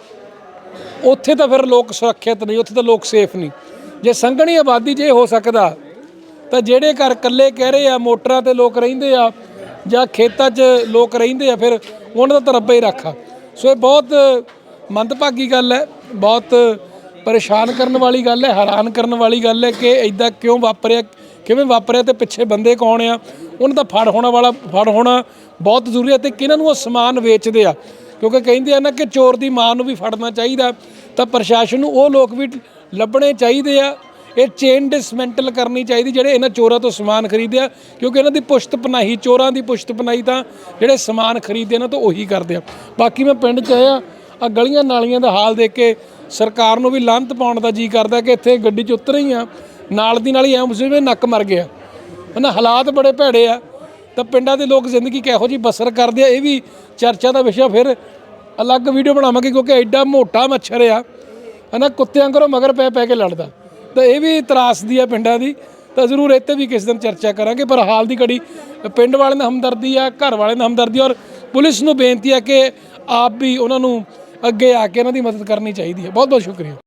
S1: ਉੱਥੇ ਤਾਂ ਫਿਰ ਲੋਕ ਸੁਰੱਖਿਅਤ ਨਹੀਂ, ਉੱਥੇ ਤਾਂ ਲੋਕ ਸੇਫ ਨਹੀਂ। ਜੇ ਸੰਘਣੀ ਆਬਾਦੀ ਜੇ ਹੋ ਸਕਦਾ ਤਾਂ ਜਿਹੜੇ ਘਰ ਇਕੱਲੇ ਕਹਿ ਰਹੇ ਆ, ਮੋਟਰਾਂ ਤੇ ਲੋਕ ਰਹਿੰਦੇ ਆ ਜਾਂ ਖੇਤਾਂ 'ਚ ਲੋਕ ਰਹਿੰਦੇ ਆ, ਫਿਰ ਉਹਨਾਂ ਦਾ ਤਾਂ ਰੱਬਾ ਹੀ ਰੱਖਾ। ਸੋ ਇਹ ਬਹੁਤ ਮੰਦਭਾਗੀ ਗੱਲ ਹੈ, ਬਹੁਤ ਪਰੇਸ਼ਾਨ ਕਰਨ ਵਾਲੀ ਗੱਲ ਹੈ, ਹੈਰਾਨ ਕਰਨ ਵਾਲੀ ਗੱਲ ਹੈ ਕਿ ਇੱਦਾਂ ਕਿਉਂ ਵਾਪਰਿਆ, ਕਿਵੇਂ ਵਾਪਰਿਆ, ਤੇ ਪਿੱਛੇ ਬੰਦੇ ਕੌਣ ਆ, ਉਹਨਾਂ ਦਾ ਫੜ ਹੋਣਾ ਬਹੁਤ ਜ਼ਰੂਰੀ ਹੈ। ਤੇ ਕਿਹਨਾਂ ਨੂੰ ਉਹ ਸਮਾਨ ਵੇਚਦੇ ਆ, ਕਿਉਂਕਿ ਕਹਿੰਦੇ ਆ ਨਾ ਕਿ ਚੋਰ ਦੀ ਮਾਂ ਨੂੰ ਵੀ ਫੜਨਾ ਚਾਹੀਦਾ, ਤਾਂ ਪ੍ਰਸ਼ਾਸਨ ਨੂੰ ਉਹ ਲੋਕ ਵੀ ਲੱਭਣੇ ਚਾਹੀਦੇ ਆ। ਇਹ ਚੇਨ ਡਿਸਮੈਂਟਲ ਕਰਨੀ ਚਾਹੀਦੀ ਜਿਹੜੇ ਇਹਨਾਂ ਚੋਰਾਂ ਤੋਂ ਸਮਾਨ ਖਰੀਦਦੇ ਆ, ਕਿਉਂਕਿ ਇਹਨਾਂ ਦੀ ਪੁਸ਼ਤ ਪਨਾਹੀ, ਚੋਰਾਂ ਦੀ ਪੁਸ਼ਤ ਪਨਾਹੀ ਤਾਂ ਜਿਹੜੇ ਸਮਾਨ ਖਰੀਦਦੇ ਇਹਨਾਂ ਤੋਂ ਉਹੀ ਕਰਦੇ ਆ। ਬਾਕੀ ਮੈਂ ਪਿੰਡ 'ਚ ਆਇਆ, ਆ ਗਲੀਆਂ ਨਾਲੀਆਂ ਦਾ ਹਾਲ ਦੇਖ ਕੇ ਸਰਕਾਰ ਨੂੰ ਵੀ ਲਾਹਨਤ ਪਾਉਣ ਦਾ ਜੀ ਕਰਦਾ ਕਿ ਇੱਥੇ ਗੱਡੀ 'ਚ ਉਤਰ ਹੀ ਆ, ਨਾਲ ਦੀ ਨਾਲ ਹੀ ਐਂ ਜਿਵੇਂ ਨੱਕ ਮਰ ਗਿਆ ਨਾ। ਹਾਲਾਤ ਬੜੇ ਭੈੜੇ ਆ, ਤਾਂ ਪਿੰਡਾਂ ਦੇ ਲੋਕ ਜ਼ਿੰਦਗੀ ਕਿਹੋ ਜਿਹੀ ਬਸਰ ਕਰਦੇ ਆ, ਇਹ ਵੀ ਚਰਚਾ ਦਾ ਵਿਸ਼ਾ। ਫਿਰ ਅਲੱਗ ਵੀਡੀਓ ਬਣਾਵਾਂਗੇ, ਕਿਉਂਕਿ ਐਡਾ ਮੋਟਾ ਮੱਛਰ ਆ ਹੈ ਨਾ, ਕੁੱਤਿਆਂ ਘਰੋਂ ਮਗਰ ਪੈ ਕੇ ਲੜਦਾ, ਤਾਂ ਇਹ ਵੀ ਤਰਾਸਦੀ ਆ ਪਿੰਡਾਂ ਦੀ। ਤਾਂ ਜ਼ਰੂਰ ਇੱਥੇ ਵੀ ਕਿਸੇ ਦਿਨ ਚਰਚਾ ਕਰਾਂਗੇ। ਪਰ ਹਾਲ ਦੀ ਘੜੀ ਪਿੰਡ ਵਾਲਿਆਂ ਦਾ ਹਮਦਰਦੀ ਆ, ਘਰ ਵਾਲਿਆਂ ਦਾ ਹਮਦਰਦੀ, ਔਰ ਪੁਲਿਸ ਨੂੰ ਬੇਨਤੀ ਆ ਕਿ ਆਪ ਵੀ ਉਹਨਾਂ ਨੂੰ ਅੱਗੇ ਆ ਕੇ ਇਹਨਾਂ ਦੀ ਮਦਦ ਕਰਨੀ ਚਾਹੀਦੀ ਹੈ। ਬਹੁਤ ਬਹੁਤ ਸ਼ੁਕਰੀਆ।